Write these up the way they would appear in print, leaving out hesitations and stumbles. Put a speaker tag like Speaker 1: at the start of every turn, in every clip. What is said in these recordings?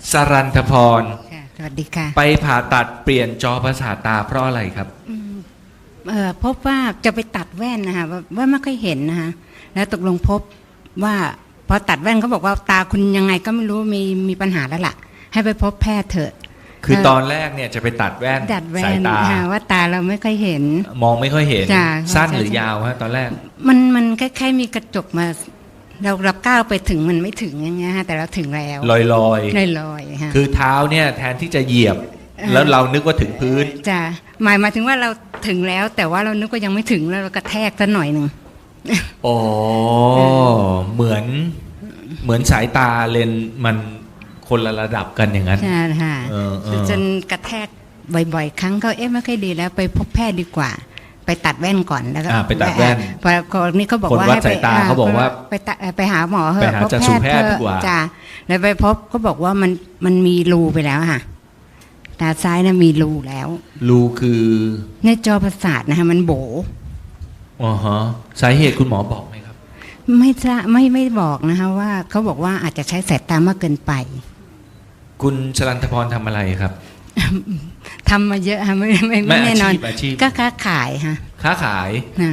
Speaker 1: สรันธพร
Speaker 2: ค่ะสวัสดีค่ะ
Speaker 1: ไปผ่าตัดเปลี่ยนจอประสาทตาเพราะอะไรครับ
Speaker 2: พบว่าจะไปตัดแว่นนะคะว่าไม่ค่อยเห็นนะคะแล้วตกลงพบว่าพอตัดแว่นเขาบอกว่าตาคุณยังไงก็ไม่รู้มีปัญหาแล้วล่ะให้ไปพบแพทย์เถอะ
Speaker 1: คือตอนแรกเนี่ยจะไปตัดแว่นสายตา
Speaker 2: ว่าตาเราไม่ค่อยเห็น
Speaker 1: มองไม่ค่อยเห็นสั้นหรือยาวฮะตอนแรก
Speaker 2: มันคล้ายๆมีกระจกมาเราก้าวไปถึงมันไม่ถึงอย่างเงี้ยฮะแต่เราถึงแล้ว
Speaker 1: ล
Speaker 2: อยฮะ
Speaker 1: คือเท้าเนี่ยแทนที่จะเหยียบแล้วเรานึกว่าถึงพื้น
Speaker 2: จ้ะหมายถึงว่าเราถึงแล้วแต่ว่าเรานึกว่ายังไม่ถึงแล้วเรากระแทกซะหน่อยนึง
Speaker 1: โอ้เหมือนสายตาเลนมันคนละระดับกันอย่างนั้น
Speaker 2: ใช่ค่ะจนกระแทกบ่อยๆครั้งก็ไม่ค่อยดีแล้วไปพบแพทย์ดีกว่าไปตัดแว่นก่อนแล้วก็
Speaker 1: ไปตัดแว่น
Speaker 2: พอคนนี้เขาบอกว่า
Speaker 1: ให้เขาบอกว่า
Speaker 2: ไปหาหมอเถอะ
Speaker 1: พบแพทย์ดีกว่า
Speaker 2: จ้ะแล้วไปพบเขาบอกว่ามันมีรูไปแล้วค่ะตาซ้ายน่ะมีรูแล้ว
Speaker 1: รูคือ
Speaker 2: ในจอประสาทนะคะมันโบ
Speaker 1: อ๋อฮะสาเหตุคุณหมอบอกไหมครับ
Speaker 2: ไม่บอกนะคะว่าเขาบอกว่าอาจจะใช้สายตามากเกินไป
Speaker 1: คุณชลันทพรทำอะไรครับ
Speaker 2: ทำมาเยอะค่ะไม่แน่นอนก็ค้าขายค่ะ
Speaker 1: ค้าขาย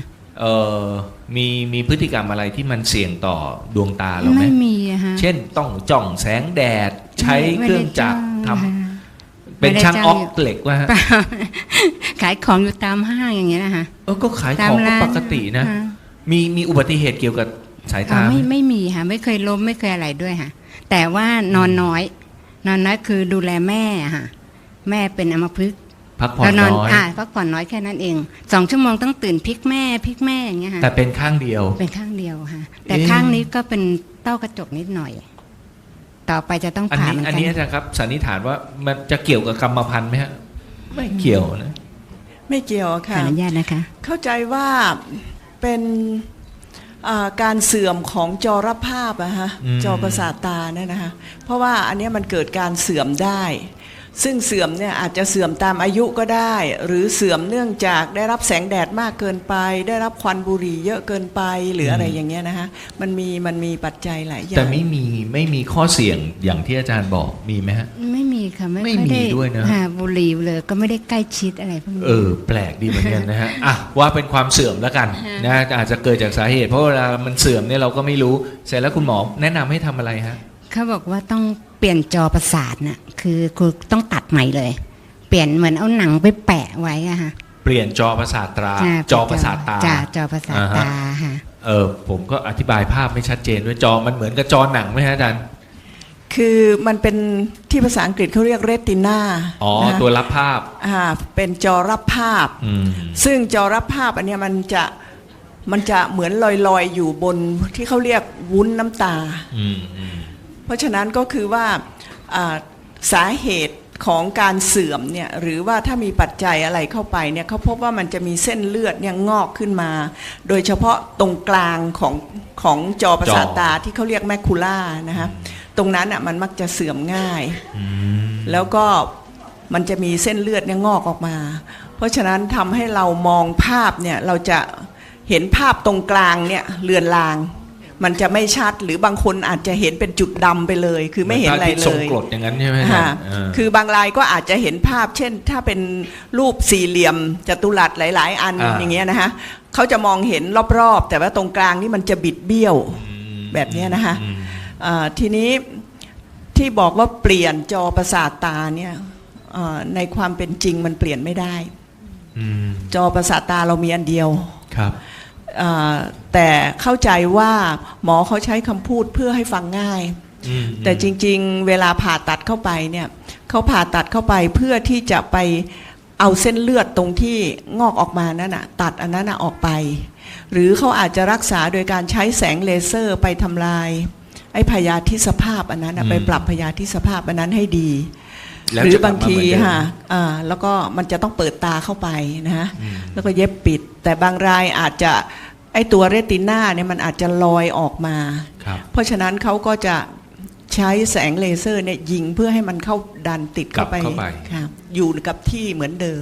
Speaker 1: มีพฤติกรรมอะไรที่มันเสี่ยงต่อดวงตาเราไหม
Speaker 2: ไม่มีค่ะ
Speaker 1: เช่นต้องจ้องแสงแดดใช้เครื่องจักรทำเป็นช่างออกเหล็กว่า
Speaker 2: ขายของอยู่ตามห้างอย่างเงี้ยนะคะ
Speaker 1: ก็ขายของปกตินะมีอุบัติเหตุเกี่ยวกับสายตา
Speaker 2: ไม่มีค่ะไม่เคยล้มไม่เคยอะไรด้วยค่ะแต่ว่านอนน้อยคือดูแลแม่ค่ะแม่เป็นอัมพฤกษ์
Speaker 1: พักผ่อนน้อย
Speaker 2: พักผ่อนน้อยแค่นั้นเอง2 ชั่วโมงต้องตื่นพลิกแม่อย่างเงี้ยค่ะ
Speaker 1: แต่เป็นข้างเดียว
Speaker 2: ค่ะแต่ข้างนี้ก็เป็นเต้ากระจกนิดหน่อยต่อไปจะต้องผ่า
Speaker 1: อันนี้นะครับสันนิษฐานว่ามันจะเกี่ยวกับกรรมพันธุ์ไหมฮะไม่เกี่ยวนะ
Speaker 3: ไม่เกี่ยวค่ะ
Speaker 2: ขออนุญาตนะคะ
Speaker 3: เข้าใจว่าเป็นการเสื่อมของจอรภาพอะฮะจอประสาทตาเนี่ยนะคะเพราะว่าอันนี้มันเกิดการเสื่อมได้ซึ่งเสื่อมเนี่ยอาจจะเสื่อมตามอายุก็ได้หรือเสื่อมเนื่องจากได้รับแสงแดดมากเกินไปได้รับควันบุหรี่เยอะเกินไปหรืออะไรอย่างเงี้ยนะคะมันมีปัจจัยหลายอย่าง
Speaker 1: แต่ไม่มีข้อเสี่ยงอย่างที่อาจารย์บอกมีไหมฮะ
Speaker 2: ไม่มีค่ะ
Speaker 1: ไม่มีด้วยนะ
Speaker 2: บุหรี่เลยก็ไม่ได้ใกล้ชิดอะไรพวกนี้
Speaker 1: แปลกดีเหมือนกันนะฮะว่าเป็นความเสื่อมแล้วกันนะอาจจะเกิดจากสาเหตุเพราะเวลามันเสื่อมเนี่ยเราก็ไม่รู้เสร็จแล้วคุณหมอแนะนำให้ทำอะไรฮะ
Speaker 2: เขาบอกว่าต้องเปลี่ยนจอประสาทน่ะคือต้องตัดใหม่เลยเปลี่ยนเหมือนเอาหนังไปแปะไว้อะค่ะ
Speaker 1: เปลี่ยนจอประสาทตาจอประสาทตา
Speaker 2: จอประสาทตาค่ะ
Speaker 1: ผมก็อธิบายภาพไม่ชัดเจนด้วยจอมันเหมือนกับจอหนังไหมฮะอาจารย์
Speaker 3: คือมันเป็นที่ภาษาอังกฤษเขาเรียกเรตินา
Speaker 1: ตัวรับภาพ
Speaker 3: เป็นจอรับภาพซึ่งจอรับภาพอันนี้มันจะเหมือนลอยอยู่บนที่เขาเรียกวุ้นน้ำตาเพราะฉะนั้นก็คือว่าสาเหตุของการเสื่อมเนี่ยหรือว่าถ้ามีปัจจัยอะไรเข้าไปเนี่ยเขาพบว่ามันจะมีเส้นเลือดเนี่ยงอกขึ้นมาโดยเฉพาะตรงกลางของจอประสาทตาที่เขาเรียกแมคคูล่านะคะตรงนั้นอ่ะมันมักจะเสื่อมง่ายแล้วก็มันจะมีเส้นเลือดเนี่ยงอกออกมาเพราะฉะนั้นทำให้เรามองภาพเนี่ยเราจะเห็นภาพตรงกลางเนี่ยเลือนลางมันจะไม่ชัดหรือบางคนอาจจะเห็นเป็นจุดดำไปเลยคือไม่เห็นอะไรเลย
Speaker 1: ส่งกรดอย่างนั้นใช่ไหม
Speaker 3: คือบางรายก็อาจจะเห็นภาพเช่นถ้าเป็นรูปสี่เหลี่ยมจัตุรัสหลายๆอันอย่างเงี้ยนะคะเขาจะมองเห็นรอบๆแต่ว่าตรงกลางนี่มันจะบิดเบี้ยวแบบนี้นะคะทีนี้ที่บอกว่าเปลี่ยนจอประสาทตาเนี่ยในความเป็นจริงมันเปลี่ยนไม่ได้จอประสาทตาเรามีอันเดียว
Speaker 1: ครับ
Speaker 3: แต่เข้าใจว่าหมอเขาใช้คำพูดเพื่อให้ฟังง่ายแต่จริงๆเวลาผ่าตัดเข้าไปเนี่ยเขาผ่าตัดเข้าไปเพื่อที่จะไปเอาเส้นเลือดตรงที่งอกออกมานั่นน่ะตัดอันนั้นออกไปหรือเขาอาจจะรักษาโดยการใช้แสงเลเซอร์ไปทำลายไอ้พยาธิสภาพอันนั้นไปปรับพยาธิสภาพอันนั้นให้ดีหรือบางทีแล้วก็มันจะต้องเปิดตาเข้าไปนะฮะแล้วก็เย็บปิดแต่บางรายอาจจะไอตัวเรตินาเนี่ยมันอาจจะลอยออกมาเพราะฉะนั้นเขาก็จะใช้แสงเลเซอร์เนี่ยยิงเพื่อให้มันเข้าดันติดเข้าไปอยู่กับที่เหมือนเดิม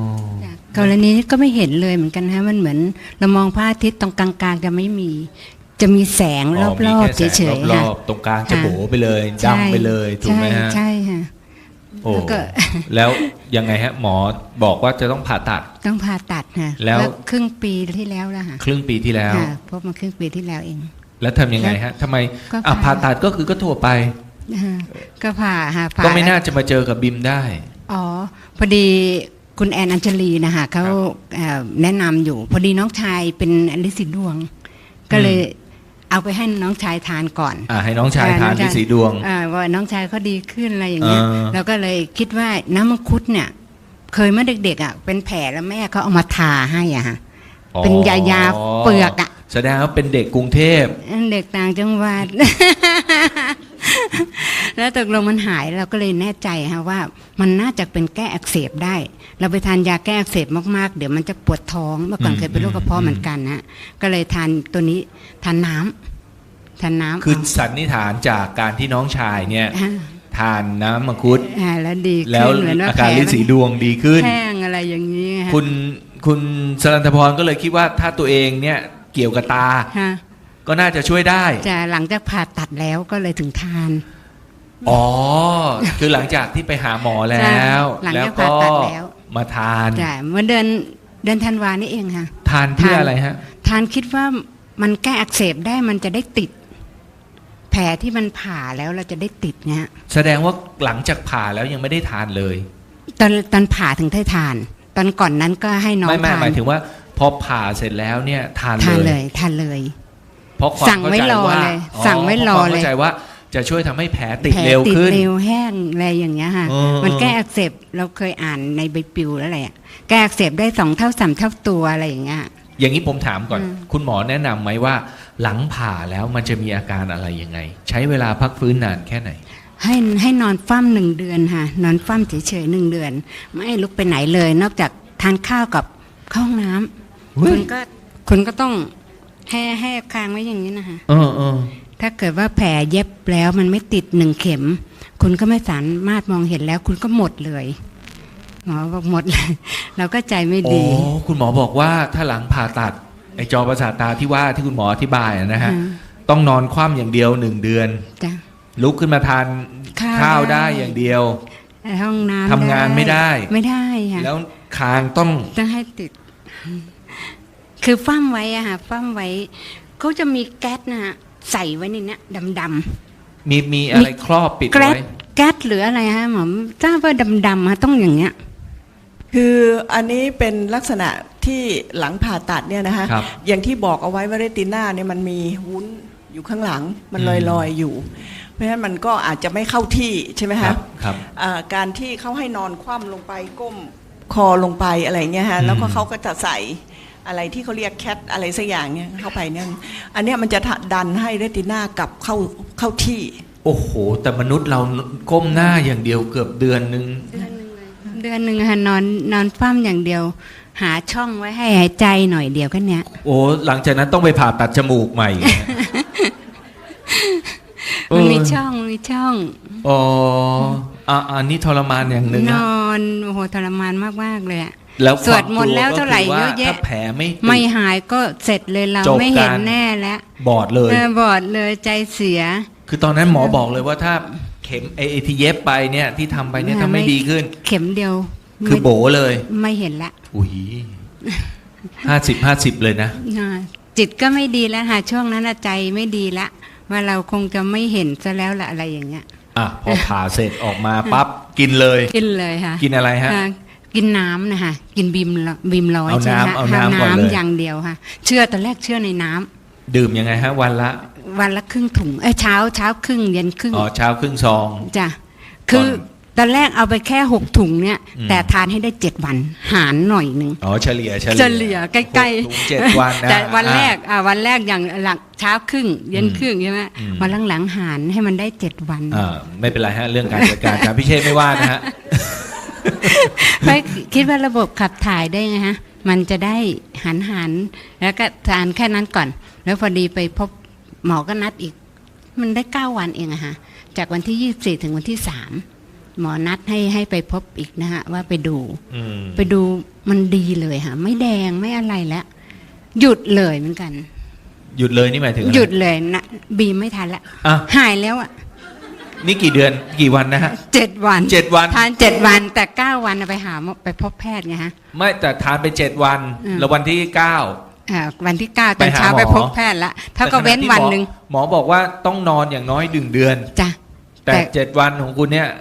Speaker 2: กรณีนี้ก็ไม่เห็นเลยเหมือนกันฮะมันเหมือนเรามองพระอาทิตย์ตรงกลางๆจะไม่มีจะมีแสงรอบ
Speaker 1: มี
Speaker 2: ๆ
Speaker 1: แค่แส
Speaker 2: เฉ
Speaker 1: ง
Speaker 2: ยๆ
Speaker 1: ร
Speaker 2: ค่ะ
Speaker 1: อบๆตรงกลางจะ
Speaker 2: ค่ะ
Speaker 1: โบไปเลยดำไปเลยถูกไหมฮะ
Speaker 2: ใช่ค่ะ
Speaker 1: โอ้
Speaker 2: แล้วก็
Speaker 1: แล้วยังไงฮะหมอบอกว่าจะต้องผ่าตัด
Speaker 2: ต้องผ่าตัดค่ะ
Speaker 1: แล้ว
Speaker 2: ครึ่งปีที่แล้วแล้วค่ะ
Speaker 1: ครึ่งปีที่แล้ว
Speaker 2: ค่ะพบมาครึ่งปีที่แล้วเอง
Speaker 1: แล้วทำยังไงฮะทำไม
Speaker 2: ก็
Speaker 1: ผ่าตัดก็คือก็ทั่วไป
Speaker 2: ก็ผ่าค่ะผ่า
Speaker 1: ก็ไม่น่าจะมาเจอกับบิมได้
Speaker 2: อ๋อพอดีคุณแอนอัญชลีนะคะเขาแนะนำอยู่ พอดีน้องชายเป็นลินสีดวง ก็เลยเอาไปให้น้องชายทานก่อน
Speaker 1: ให้น้องชายทานที่สีดวง
Speaker 2: ว่าน้องชายเขาดีขึ้นอะไรอย่างเงี้ย แล้วก็เลยคิดว่าน้ำมังคุดเนี่ย เคยเมื่อเด็กๆอ่ะเป็นแผลแล้วแม่เขาเอามาทาให้อ่ะฮะเป็นยาเปลือกอ่ะ
Speaker 1: แสดงว่าเป็นเด็กกรุงเทพ
Speaker 2: เด็กต่างจังหวัด แล้วตกลงมันหายเราก็เลยแน่ใจฮะว่ามันน่าจะเป็นแก้อักเสบได้ เราไปทานยาแก้อักเสบมากๆเดี๋ยวมันจะปวดท้องเมื่อก่อนเคยเป็นโรคกระเพาะเหมือนกันนะก็เลยทานตัวนี้ทานน้ำ
Speaker 1: คือสันนิษฐานจากการที่น้องชายเนี่ย
Speaker 2: อ่า
Speaker 1: ทานน้ำมังคุด
Speaker 2: แล้วดีขึ้น
Speaker 1: แล้ว
Speaker 2: เหมือนว่า
Speaker 1: อาการลิ้นสีดวงดีขึ้น
Speaker 2: แห้งอะไรอย่างนี้ค่ะ
Speaker 1: คุณสรันทพรก็เลยคิดว่าถ้าตัวเองเนี่ยเกี่ยวกับตา
Speaker 2: ค่ะ
Speaker 1: ก็น่าจะช่วยได้
Speaker 2: จะหลังจากผ่าตัดแล้วก็เลยถึงทาน
Speaker 1: อ๋อ คือหลังจากที่ไปหาหมอแล้ว
Speaker 2: หลัง
Speaker 1: แล้ว
Speaker 2: จาก
Speaker 1: ก็
Speaker 2: ผ่าตัดแล้ว
Speaker 1: มาทาน
Speaker 2: จ้ะเมื่อเดือนธันวานี่เองค่ะ
Speaker 1: ทานเพื่ออะไรฮะ
Speaker 2: ทานคิดว่ามันแก้อักเสบได้มันจะได้ติด แผลที่มันผ่าแล้วเราจะได้ติดเนี่ย
Speaker 1: แสดงว่าหลังจากผ่าแล้วยังไม่ได้ทานเลย
Speaker 2: ตอนผ่าถึงได้ทาน ตอนก่อนนั้นก็ให้น้อง
Speaker 1: ไม่
Speaker 2: ทาน
Speaker 1: หมายถึงว่าพอผ่าเสร็จแล้วเนี่ยทาน
Speaker 2: ทาน
Speaker 1: เล
Speaker 2: เลย ยทานเลย
Speaker 1: เพราะความ
Speaker 2: สั่งไว้
Speaker 1: เข้าใจ
Speaker 2: รอ
Speaker 1: ว่า
Speaker 2: เลยสั่งไว้รอ
Speaker 1: พาะความ
Speaker 2: เลย
Speaker 1: เข้าใจว่าจะช่วยทำให้แผลติด
Speaker 2: แผล
Speaker 1: เร็ว
Speaker 2: ติด
Speaker 1: ขึ้น
Speaker 2: เร็วแห้งอะไรอย่างเงี้ยค่ะ มันแก้อักเสบเราเคยอ่านในใบปลิวแล้วอะไรอ่ะแก้อักเสบได้2 เท่า 3 เท่าตัวอะไรอย่างเงี้ย
Speaker 1: อย่างนี้ผมถามก่อน
Speaker 2: อืม
Speaker 1: คุณหมอแนะนำไหมว่า หลังผ่าแล้วมันจะมีอาการอะไรยังไง ใช้เวลาพักฟื้นนานแค่ไหน
Speaker 2: ให้นอนฟั่ม1 เดือนค่ะ นอนฟั่มเฉยๆ1 เดือน ไม่ลุกไปไหนเลย นอกจากทานข้าวกับเข้าห้องน้ำ
Speaker 1: เฮ้ย
Speaker 2: คุณก็ต้องให้คางไว้อย่างนี้นะคะ
Speaker 1: เออ
Speaker 2: ถ้าเกิดว่าแผลเย็บแล้วมันไม่ติด1 เข็ม คุณก็ไม่สามารถมองเห็นแล้ว คุณก็หมดเลยหมอบอกหมดเลย เราก็ใจไม่
Speaker 1: อ๋อ
Speaker 2: ดี
Speaker 1: คุณหมอบอกว่าถ้าหลังผ่าตัดไอจอประสาทตาที่ว่าที่คุณหมออธิบายนะฮะ
Speaker 2: อืม
Speaker 1: ต้องนอนคว่ำอย่างเดียว1 เดือน
Speaker 2: จ้ะ
Speaker 1: ลุกขึ้นมาทาน
Speaker 2: ข้าว
Speaker 1: ได้
Speaker 2: ได้
Speaker 1: อย่างเดียว
Speaker 2: ห้องน้ำ
Speaker 1: ทำงานไม่ได้
Speaker 2: ไม่ได้ค่ะ
Speaker 1: แล้วคางต้อง
Speaker 2: ต้องให้ติด คือฟั่มไว้อะค่ะฟั่มไว้เขาจะมีแก๊สนะฮะใส่ไว้ในเนี้ยดำ
Speaker 1: มีอะไรครอบปิด
Speaker 2: ๆแก๊ส
Speaker 1: ไว้
Speaker 2: แก๊สหรืออะไรฮะหมอทราบว่าดำๆฮะต้องอย่างเงี้ย
Speaker 3: คืออันนี้เป็นลักษณะที่หลังผ่าตัดเนี่ยนะคะ
Speaker 1: ครับ
Speaker 3: อย่างที่บอกเอาไว้ว่าเรติน่าเนี่ยมันมีวุ้นอยู่ข้างหลังมันลอยๆอยู่ เพราะฉะนั้นมันก็อาจจะไม่เข้าที่ใช่ไหม
Speaker 1: ครั
Speaker 3: คะ
Speaker 1: บครับ
Speaker 3: การที่เขาให้นอนคว่ำลงไปก้มคอลงไปอะไรเงี้ยฮะ
Speaker 1: อืม
Speaker 3: แล้วก็เขาก็จะใส่อะไรที่เขาเรียกแคทอะไรสักอย่างเนี่ยเข้าไปเนี่ยอันเนี้ยมันจะดันให้เรติน่ากลับเข้าที่
Speaker 1: โอ้โห แต่มนุษย์เราก้มหน้าอย่างเดียวเกือบเดือนนึง
Speaker 2: เดือนหนึ่งค่ะนอนฟั่มอย่างเดียว หาช่องไว้ให้หายใจหน่อยเดียวก็เนี้ย
Speaker 1: โอ้หลังจากนั้นต้องไปผ่าตัดจมูกใหม่
Speaker 2: มันมีช่อง
Speaker 1: อ๋ออันนี้ทรมานอย่างหนึ่ง
Speaker 2: น
Speaker 1: นะ
Speaker 2: อนโอ้โหทรมานมากๆเลยอะ
Speaker 1: แล้ว
Speaker 2: สวดมนต์แล้วเท่าไหร่เยอะแยะ
Speaker 1: ถ้าแผลไม่ติด
Speaker 2: ไม่หายก็เสร็จเลยเรา
Speaker 1: จบ
Speaker 2: ไม่เห็น
Speaker 1: การ
Speaker 2: แน่แล้ว
Speaker 1: บอดเลย
Speaker 2: บอดเลยใจเสีย
Speaker 1: คือตอนนั้นหมอบอกเลยว่าถ้าเข็มไอที่เย็บไปเนี่ยที่ทำไปเนี่ยถ้าไม่ดีขึ้น
Speaker 2: เข็มเดียว
Speaker 1: คือโบเลย
Speaker 2: ไม่เห็นละ
Speaker 1: อุ้ย50 เลยนะ
Speaker 2: จิตก็ไม่ดีแล้วค่ะช่วงนั้นน่ะใจไม่ดีละว่าเราคงจะไม่เห็นซะแล้วละอะไรอย่างเงี้ย
Speaker 1: อ่ะพอผ่าเสร็จออกมาปั๊บกินเลย
Speaker 2: กินเลยค่ะ
Speaker 1: กินอะไรฮะ
Speaker 2: กินน้ำนะคะกินบีมร้อย
Speaker 1: เอา
Speaker 2: ใช่ไหม
Speaker 1: น้ำเอาน้ำก่อนเลย
Speaker 2: อย่างเดียวค่ะตอนแรกเชื่อในน้ำ
Speaker 1: ดื่มยังไงฮะ วันละ
Speaker 2: วันละครึ่งถุงเช้าครึ่งเย็นครึ่ง
Speaker 1: อ๋อเช้าครึ่งซอง
Speaker 2: จ้ะคือตอนแรกเอาไปแค่6 ถุงเนี่ย
Speaker 1: อืม
Speaker 2: แต่ทานให้ได้7 วันหารหน่อยหนึ่ง
Speaker 1: อ๋อเฉลี่ย
Speaker 2: เฉลี่ยใกล้
Speaker 1: หกถุง7 วันนะ
Speaker 2: แต่วันแรกวันแรกอย่างหลังเช้าครึ่งเย็นครึ่งใช่ไหม
Speaker 1: อืม
Speaker 2: วันหลังๆหารให้มันได้7 วัน
Speaker 1: ไม่เป็นไรฮะ เรื่องการจัดการ อาจารย์พิเชษไม่ว่านะฮะ
Speaker 2: เพราะคิดว่าระบบขับถ่ายได้ไงฮะมันจะได้หันแล้วก็ทานแค่นั้นก่อน แล้วพอดีไปพบหมอก็นัดอีก มันได้9 วันเองอะฮะจากวันที่24ถึงวันที่3หมอนัดให้ไปพบอีกนะฮะว่าไปดู
Speaker 1: อืม
Speaker 2: ไปดูมันดีเลยค่ะไม่แดงไม่อะไรแล้วหยุดเลยเหมือนกัน
Speaker 1: หยุดเลยนี่หมายถึงอะไร
Speaker 2: หยุดเลยนะบีมไม่ทันละ
Speaker 1: อ่ะ
Speaker 2: หายแล้วอ่ะ
Speaker 1: นี่กี่เดือนกี่วันนะฮะ
Speaker 2: 7 วัน
Speaker 1: 7 วัน
Speaker 2: ทาน7 วันแต่9 วันไปหาหมอไปพบแพทย์ไงฮะ
Speaker 1: ไม่แต่ทานไป7 วัน
Speaker 2: อืม
Speaker 1: แล้ววันที่ 9
Speaker 2: วันที่9ตอนเช้า
Speaker 1: ไปหาหมอ
Speaker 2: ไปพบแพทย์ละเท่ากับเว้นวันหนึ่ง
Speaker 1: หมอบอกว่าต้องนอนอย่างน้อย1 เดือน
Speaker 2: จ้ะ
Speaker 1: แต่7 วันของคุณเนี่ย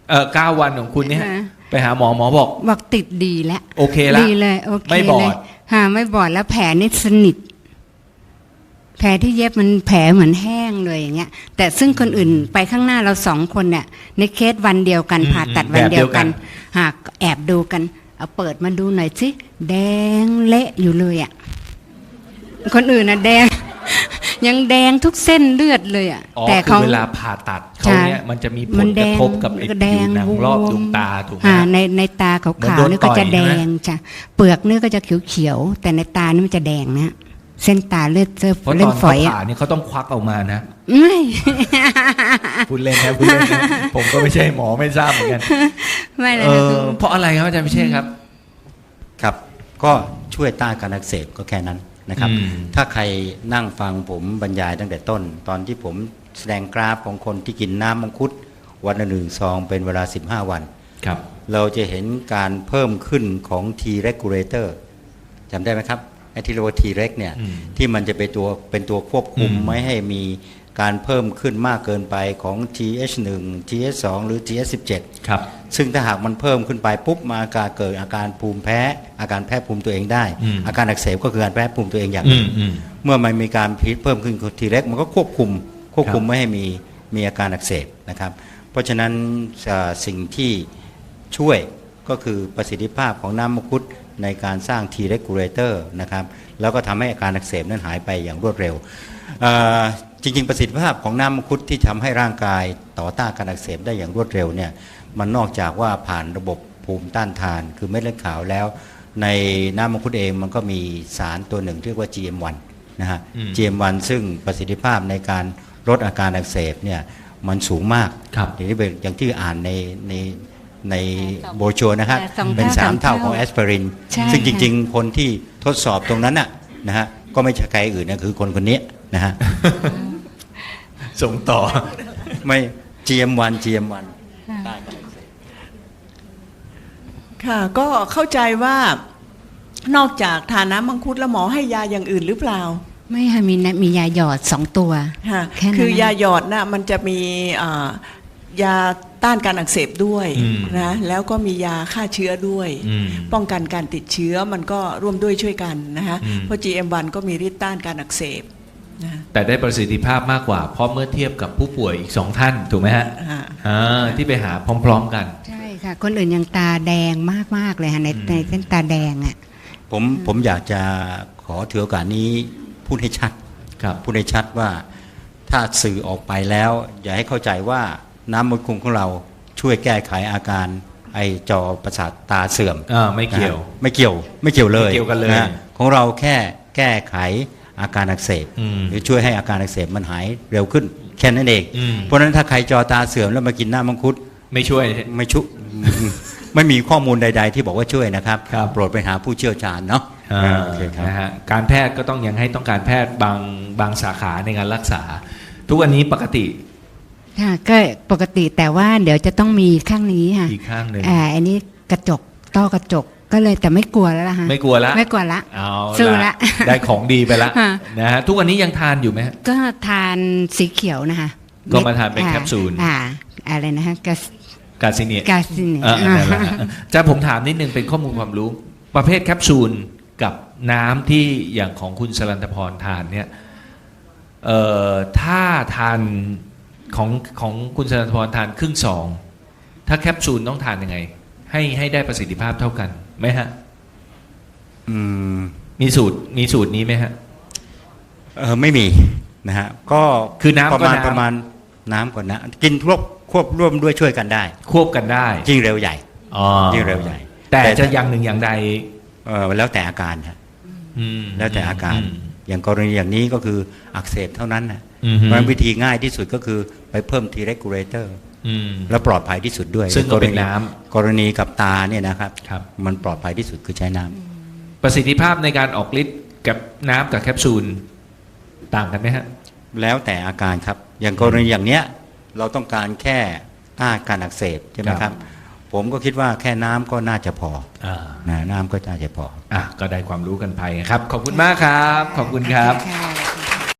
Speaker 1: 9 วันของคุณเนี่ย
Speaker 2: อ่า
Speaker 1: ไปหาหมอบอก
Speaker 2: บอกติดดีแล้ว
Speaker 1: โอเคละ
Speaker 2: ดีเลยโอเค
Speaker 1: ไม่บอด
Speaker 2: เลยไม่บอดแล้วแผลนี่สนิทแผลที่เย็บมันแผลเหมือนแห้งเลยอย่างเงี้ยแต่ซึ่งคนอื่นไปข้างหน้าเรา2 คนเนี่ยในเคสวันเดียวกันผ่าตัดวันเดียวกันหากแอบดูกันเอาเปิดมาดูหน่อยสิแดงเละอยู่เลยอ่ะคนอื่นน่ะแดง ยังแดงทุกเส้นเลือดเลยอ่ะ
Speaker 1: อ๋อ
Speaker 2: แต่
Speaker 1: คื
Speaker 2: เขา
Speaker 1: อเวลาผ่าตัดเขาเนี่ยมันจะมีผ
Speaker 2: มั
Speaker 1: ล
Speaker 2: น
Speaker 1: ก
Speaker 2: แด
Speaker 1: ระ
Speaker 2: ง
Speaker 1: ทบกับไอ้
Speaker 2: แด
Speaker 1: ผิว
Speaker 2: ง
Speaker 1: หนังรอบดวงตาถูกไหมฮะ
Speaker 2: ในตาขา
Speaker 1: เหมือน
Speaker 2: ว
Speaker 1: โด
Speaker 2: ๆ
Speaker 1: น
Speaker 2: นี่ก็
Speaker 1: ต่อย
Speaker 2: จะแด
Speaker 1: ใช่ไหม
Speaker 2: งจ้ะเปลือกนี่ก็จะเขียวๆแต่ในตานี่มันจะแดงนะเส้นตาเลือดเจอ
Speaker 1: เพราะต
Speaker 2: เล่
Speaker 1: อน น
Speaker 2: ฝ
Speaker 1: เขา
Speaker 2: อยอ่ะ
Speaker 1: ผ่านี่เขาต้องควักออกมานะ
Speaker 2: ไม่
Speaker 1: พูดเล่นนะพูดเล่นนะผมก็ไม่ใช่หมอไม่ทราบเหมือนกัน
Speaker 2: ไม่เลยนะคือ
Speaker 1: เพราะอะไรครับอาจารย์พิเชษครับ
Speaker 4: ครับก็ช่วยต้านการอักเสบก็แค่นั้นนะครับ
Speaker 1: อืม
Speaker 4: ถ้าใครนั่งฟังผมบรรยายตั้งแต่ต้น ตอนที่ผมแสดงกราฟของคนที่กินน้ำมังคุดวันละ1 ซองเป็นเวลา 15 วัน
Speaker 1: ครับ
Speaker 4: เราจะเห็นการเพิ่มขึ้นของ T regulator จำได้ไหมครับไอ้ที่เรียกว่า T reg เนี่ย
Speaker 1: อืม
Speaker 4: ที่มันจะเป็นตัวควบคุม
Speaker 1: อืม
Speaker 4: ไม่ให้มีการเพิ่มขึ้นมากเกินไปของ TH1 TH2 หรือ TH17
Speaker 1: ครับ
Speaker 4: ซึ่งถ้าหากมันเพิ่มขึ้นไปปุ๊บมาเกิดอาการภูมิแพ้อาการแพ้ภูมิตัวเองได้
Speaker 1: อืม
Speaker 4: อาการอักเสบก็คือการแพ้ภูมิตัวเองอย่างห
Speaker 1: อื
Speaker 4: นึ่ง
Speaker 1: มอืม
Speaker 4: เมื่อมันมีการพิษเพิ่มขึ้นทีแรกมันก็ควบคุม
Speaker 1: ครับ
Speaker 4: ไม่ให้มีอาการอักเสบนะครับ เพราะฉะนั้นสิ่งที่ช่วยก็คือประสิทธิภาพของน้ำมังคุดในการสร้าง T regulator นะครับแล้วก็ทำให้อาการอักเสบนั้นหายไปอย่างรวดเร็วจริงๆประสิทธิภาพของน้ำมังคุดที่ทำให้ร่างกายต่อต้านการอักเสบได้อย่างรวดเร็วเนี่ยมันนอกจากว่าผ่านระบบภูมิต้านทาน คือเม็ดเลือดขาวแล้ว ในน้ำมังคุดเองมันก็มีสารตัวหนึ่งเรียกว่า GM1 นะฮะ
Speaker 1: อืม
Speaker 4: GM1 ซึ่งประสิทธิภาพในการลดอาการอักเสบเนี่ยมันสูงมาก
Speaker 1: ครับ
Speaker 4: อย่างที่อ่านในโบรชัวร์นะครับ เป็น 3 เท่าของแอสไพริน
Speaker 2: ใช่
Speaker 4: ซึ่งจ
Speaker 2: ค่ะ
Speaker 4: ริงๆ คนที่ทดสอบตรงนั้นน่ะนะฮะก็ไม่ใช่ใครอื่นนะคือคนนี้นะฮะ
Speaker 1: ส่งต่อ
Speaker 4: ไม่ GM1
Speaker 3: ค่ะก็เข้าใจว่านอกจากทานน้ำมังคุดแล้วหมอให้ยาอย่างอื่นหรือเปล่า
Speaker 2: ไม่ค่ะมียาหยอด2 ตัว
Speaker 3: ค่ะ
Speaker 2: แค่นั้น
Speaker 3: คือยา
Speaker 2: นะ
Speaker 3: หยอดน่ะมันจะมียาต้านการอักเสบด้วย
Speaker 1: อืม
Speaker 3: นะแล้วก็มียาฆ่าเชื้อด้วย
Speaker 1: อืม
Speaker 3: ป้องกันการติดเชื้อมันก็ร่วมด้วยช่วยกันนะฮะ
Speaker 1: อืม
Speaker 3: เพราะ GM1 ก็มีฤทธิ์ต้านการอักเสบนะ
Speaker 1: แต่ได้ประสิทธิภาพมากกว่า เพราะเมื่อเทียบกับผู้ป่วยอีก 2 ท่านถูกไหมฮะ
Speaker 3: ฮะ
Speaker 1: ที่ไปหาพร้อมๆกัน
Speaker 2: ใช่ค่ะ คนอื่นยังตาแดงมากๆเลยค่ะในเส้นตาแดงอ่ะ
Speaker 4: ผมอยากจะขอถือโอกาสนี้พูดให้ชัด
Speaker 1: ครับ
Speaker 4: พูดให้ชัดว่าถ้าสื่อออกไปแล้ว อย่าให้เข้าใจว่าน้ำมังคุดของเราช่วยแก้ไขอาการไอจอประสาทตาเสื่อม
Speaker 1: ไม่เกี่ยว
Speaker 4: นะฮะไม่เกี่ยวเลย
Speaker 1: ไม่เกี่ยวกันเลย
Speaker 4: ะฮะของเราแค่แก้ไขอาการอักเสบ
Speaker 1: อืม
Speaker 4: หรือช่วยให้อาการอักเสบมันหายเร็วขึ้นแค่นั้นเอง
Speaker 1: อืม
Speaker 4: เพราะฉะนั้นถ้าใครจอตาเสื่อมแล้วมากินน้ำมังคุด
Speaker 1: ไม่ช่วย
Speaker 4: ไม่ชุ ไม่มีข้อมูลใด ๆ ที่บอกว่าช่วยนะครับ
Speaker 1: ครับ
Speaker 4: โปรดไปหาผู้เชี่ยวชาญเนาะโอเคครับ
Speaker 1: นะฮะการแพทย์ก็ต้องยังให้ต้องการแพทย์บางสาขาในการรักษา ทุกวันนี้ปกติ
Speaker 2: ค่ะก็ปกติแต่ว่าเดี๋ยวจะต้องมีข้างนี้ค่ะ
Speaker 1: อีกข้างหนึ่ง
Speaker 2: อันนี้กระจกต้อกระจกก็เลยแต่ไม่กลัวแล้วล่ะฮะ
Speaker 1: ไม่กลัวละ
Speaker 2: ไม่กลัวละ
Speaker 1: เอา
Speaker 2: สู้ละ
Speaker 1: ได้ของดีไปละ
Speaker 2: ฮะ
Speaker 1: นะฮะทุกวันนี้ยังทานอยู่ไหมฮะ
Speaker 2: ก็ทานสีเขียวนะคะ
Speaker 1: ก็มาทานเป็นแคปซูล
Speaker 2: อะไรนะคะกา
Speaker 1: กาซิเนีย
Speaker 2: กาซิเนีย
Speaker 1: นั่นแหละฮะจะผมถามนิดนึงเป็นข้อมูลความรู้ ประเภทแคปซูลกับน้ำที่อย่างของคุณสรันตพรทานเนี่ยถ้าทานของคุณสรันตพรทานครึ่งซองถ้าแคปซูลต้องทานยังไง ให้ได้ประสิทธิภาพเท่ากันไหมฮะ
Speaker 4: อืม
Speaker 1: มีสูตรนี้ไหมฮะ
Speaker 4: ไม่มีนะฮะก็
Speaker 1: คือน้ำก็น้ำ
Speaker 4: ประมาณน้ำก่อนนะกินควบร่วมด้วยช่วยกันได้
Speaker 1: ควบกันได้
Speaker 4: ยิ่งเร็วใหญ่
Speaker 1: อ๋อ
Speaker 4: ยิ่งเร็วใหญ่
Speaker 1: แต่จะอย่างหนึ่งอย่างใด
Speaker 4: แล้วแต่อาการครับ
Speaker 1: อืม
Speaker 4: แล้วแต่อาการ อย่างกรณีอย่างนี้ก็คืออักเสบเท่านั้นนะ
Speaker 1: อืม
Speaker 4: เพราะฉะนั้นวิธีง่ายที่สุดก็คือไปเพิ่ม T regulator
Speaker 1: อืม
Speaker 4: แล้วปลอดภัยที่สุดด้วย
Speaker 1: ซึ่งก็เป็นน้ำ
Speaker 4: กรณีกับตาเนี่ยนะครับ
Speaker 1: ครับ
Speaker 4: มันปลอดภัยที่สุดคือใช้น้ำ
Speaker 1: ประสิทธิภาพในการออกฤทธิ์กับน้ำกับแคปซูลต่างกันไหมฮะ
Speaker 4: แล้วแต่อาการครับอย่างกรณีอย่างเนี้ยเราต้องการแค่ต้านการอักเสบใช่ไหม
Speaker 1: ค
Speaker 4: ค
Speaker 1: รั
Speaker 4: รับ บผมก็คิดว่าแค่น้ำก็น่าจะพอ
Speaker 1: อ่า
Speaker 4: นะน้ำก็น่าจะพอ
Speaker 1: ก็ได้ความรู้กันไปครับ ขอบคุณมากครับ ขอบคุณครับ
Speaker 2: ค่ะ